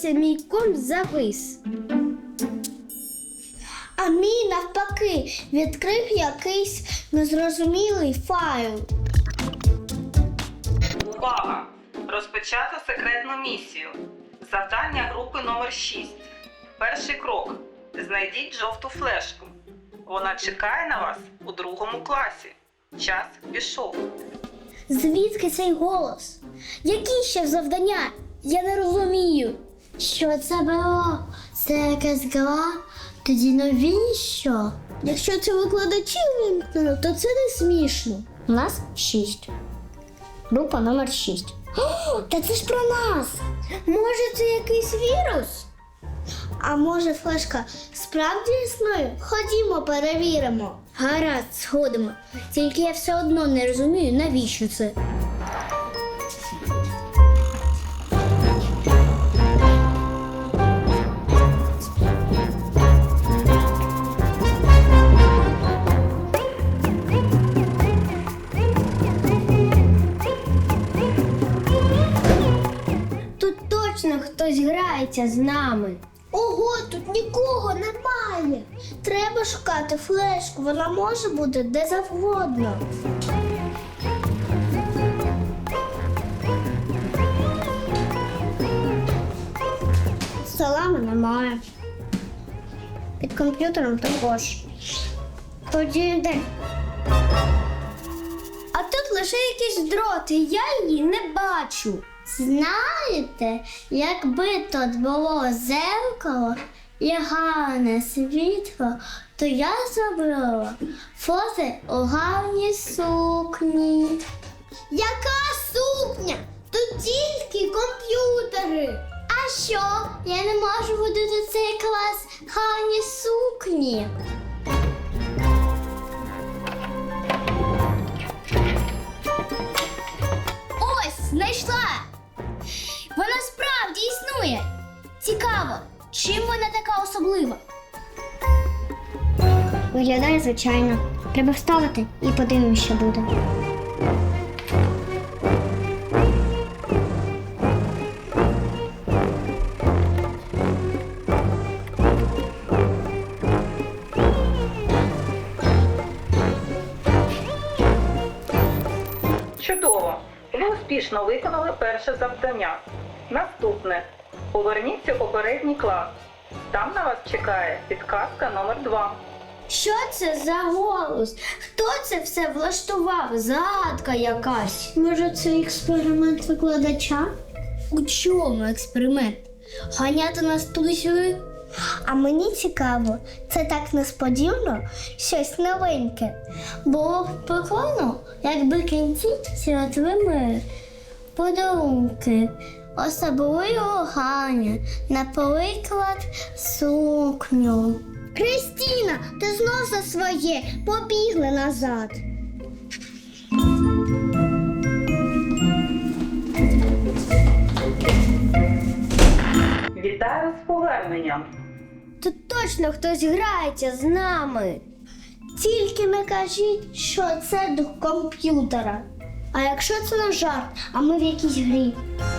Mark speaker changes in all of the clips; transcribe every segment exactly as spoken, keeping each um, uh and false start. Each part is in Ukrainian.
Speaker 1: здавалося, мій комп завис. А мій, навпаки, відкрив якийсь незрозумілий файл.
Speaker 2: Увага! Розпочато секретну місію. Завдання групи номер шість. Перший крок. Знайдіть жовту флешку. Вона чекає на вас у другому класі. Час пішов.
Speaker 1: Звідки цей голос? Які ще завдання? Я не розумію. Що це було? Це якась гра? Тоді навіщо? Якщо це викладачі вимкнено, то це не смішно. У нас шість. Група номер шість. О, та це ж про нас! Може, це якийсь вірус? А може, флешка справді існує? Ходімо, перевіримо. Гаразд, сходимо. Тільки я все одно не розумію, навіщо це. Тут точно хтось грається з нами. Ого, тут нікого немає. Треба шукати флешку, вона може бути де завгодно. Салами немає. Під комп'ютером також. Тоді де? А тут лише якісь дроти, я її не бачу. Знаєте, якби тут було зеркало і гарне світло, то я зробила фото у гарній сукні. Яка сукня? Тут тільки комп'ютери. А що? Я не можу водити цей клас гарні сукні. Ось, знайшла! Вона справді існує. Цікаво, чим вона така особлива? Виглядає звичайно. Треба вставити і подивимось, що буде.
Speaker 2: Чудово! Ви успішно виконали перше завдання. Наступне. Поверніться у попередній клас. Там на вас чекає підказка номер два.
Speaker 1: Що це за голос? Хто це все влаштував? Загадка якась. Може, це експеримент викладача? У чому експеримент? Ганяти нас туди-сюди? А мені цікаво, це так несподівано, щось новеньке. Було б прикольно, якби кінці святили подарунки. Особливо Ганя, наприклад, сукню. Кристина, ти знов за своє, побігли назад.
Speaker 2: Вітаю з поверненням!
Speaker 1: Тут точно хтось грається з нами. Тільки не кажіть, що це дух комп'ютера. А якщо це не жарт, а ми в якійсь грі?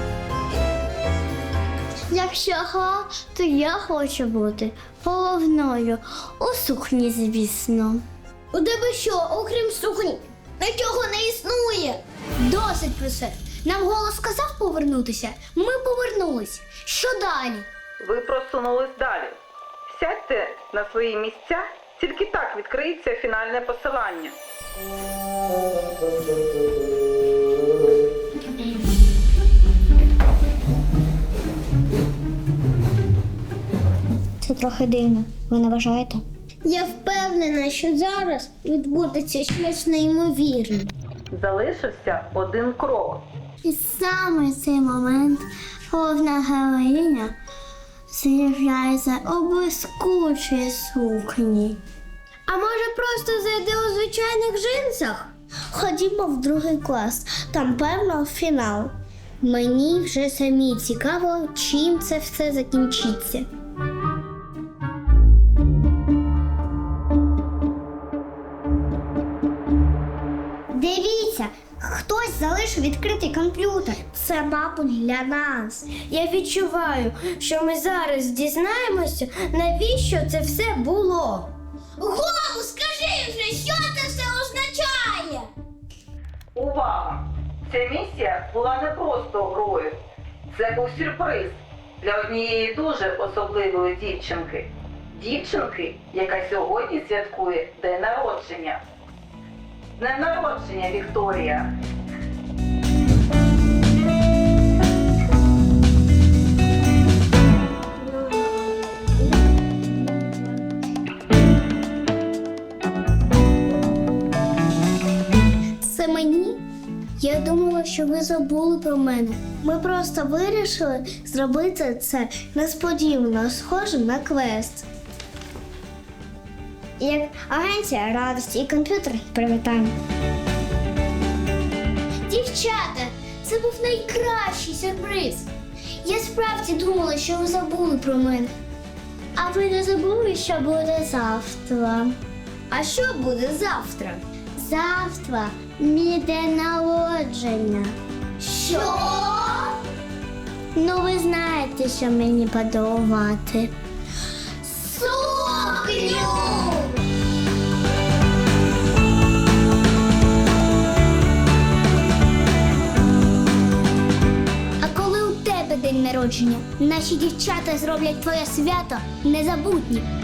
Speaker 1: Якщо гра, то я хочу бути головною. У сукні, звісно. У тебе що, окрім сукні, нічого не існує? Досить про це. Нам голос сказав повернутися, ми повернулись. Що далі?
Speaker 2: Ви просунулись далі. Сядьте на свої місця, тільки так відкриється фінальне посилання.
Speaker 1: Це трохи дивно, ви не вважаєте? Я впевнена, що зараз відбудеться щось неймовірне.
Speaker 2: Залишився один крок.
Speaker 1: І саме в цей момент головна героїня з'являється у блискучій сукні. А може просто зайде у звичайних джинсах? Ходімо в другий клас, там певно фінал. Мені вже самі цікаво, чим це все закінчиться. Дивіться, хтось залишив наш відкритий комп'ютер. Це, мабуть, для нас.
Speaker 3: Я відчуваю, що ми зараз дізнаємося, навіщо це все було.
Speaker 1: Голу, скажи вже, що це все означає?
Speaker 2: Увага! Ця місія була не просто грою. Це був сюрприз для однієї дуже особливої дівчинки. Дівчинки, яка сьогодні святкує день народження. З днем народження, Вікторія!
Speaker 1: Це мені? Я думала, що ви забули про мене. Ми просто вирішили зробити це несподівано, схожим на квест. Як агенція радості і комп'ютер привітань. Дівчата, це був найкращий сюрприз. Я справді думала, що ви забули про мене. А ви не забули, що буде завтра?
Speaker 3: А що буде завтра?
Speaker 1: Завтра мій день народження. Що? Ну, ви знаєте, що мені подарувати. Сукню! А коли у тебе день народження, наші дівчата зроблять твоє свято незабутнім.